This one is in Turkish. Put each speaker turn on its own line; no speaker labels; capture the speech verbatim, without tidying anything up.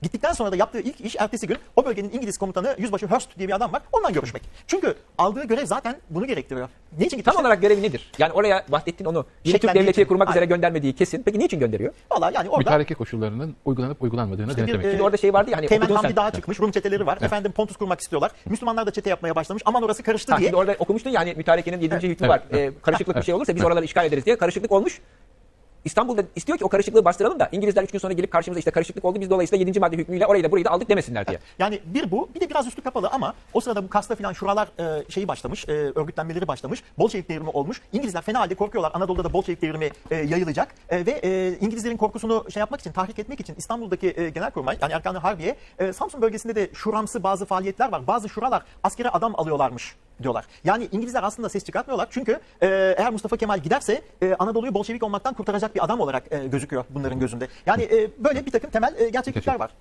Gittikten sonra da yaptığı ilk iş ertesi gün o bölgenin İngiliz komutanı Yüzbaşı Hurst diye bir adam var. Ondan görüşmek. Çünkü aldığı görev zaten bunu gerektiriyor. Niçin gitmişler?
Tam olarak görevi nedir? Yani oraya Vahdettin onu yeni Türk
Şeklendiği
devleti
için.
kurmak üzere
Aynen.
göndermediği kesin. Peki niçin gönderiyor?
Valla yani orada
Mütareke koşullarının uygulanıp uygulanmadığını
İşte bir,
denetlemek
e,
için.
Şimdi orada şey vardı ya hani
Teğmen
okudun
Hamdi
sen.
Dağı çıkmış. Rum çeteleri var. Efendim Pontus kurmak istiyorlar. Müslümanlar da çete yapmaya başlamış. Aman orası karıştı
Ha,
diye.
şimdi orada okumuştun yani mütarekenin yedinci hükmü
Evet,
var. Ee, karışıklık bir şey olursa biz oraları işgal ederiz diye karışıklık olmuş. İstanbul'da istiyor ki o karışıklığı bastıralım da İngilizler üç gün sonra gelip karşımıza işte karışıklık oldu biz dolayısıyla yedinci madde hükmüyle orayı da burayı da aldık demesinler diye.
Yani bir bu, bir de biraz üstü kapalı ama o sırada bu Kars'ta filan şuralar e, şeyi başlamış, e, örgütlenmeleri başlamış. Bolşevik devrimi olmuş. İngilizler fena halde korkuyorlar. Anadolu'da da Bolşevik devrimi e, yayılacak. E, ve e, İngilizlerin korkusunu şey yapmak için, tahrik etmek için İstanbul'daki e, Genelkurmay, yani Erkan-ı Harbiye, e, Samsun bölgesinde de şuramsı bazı faaliyetler var. Bazı şuralar askere adam alıyorlarmış diyorlar. Yani İngilizler aslında ses çıkartmıyorlar. Çünkü e, eğer Mustafa Kemal giderse e, Anadolu'yu Bolşevik olmaktan kurtaracak bir adam olarak e, gözüküyor bunların gözünde. Yani e, böyle bir takım temel e, gerçeklikler var.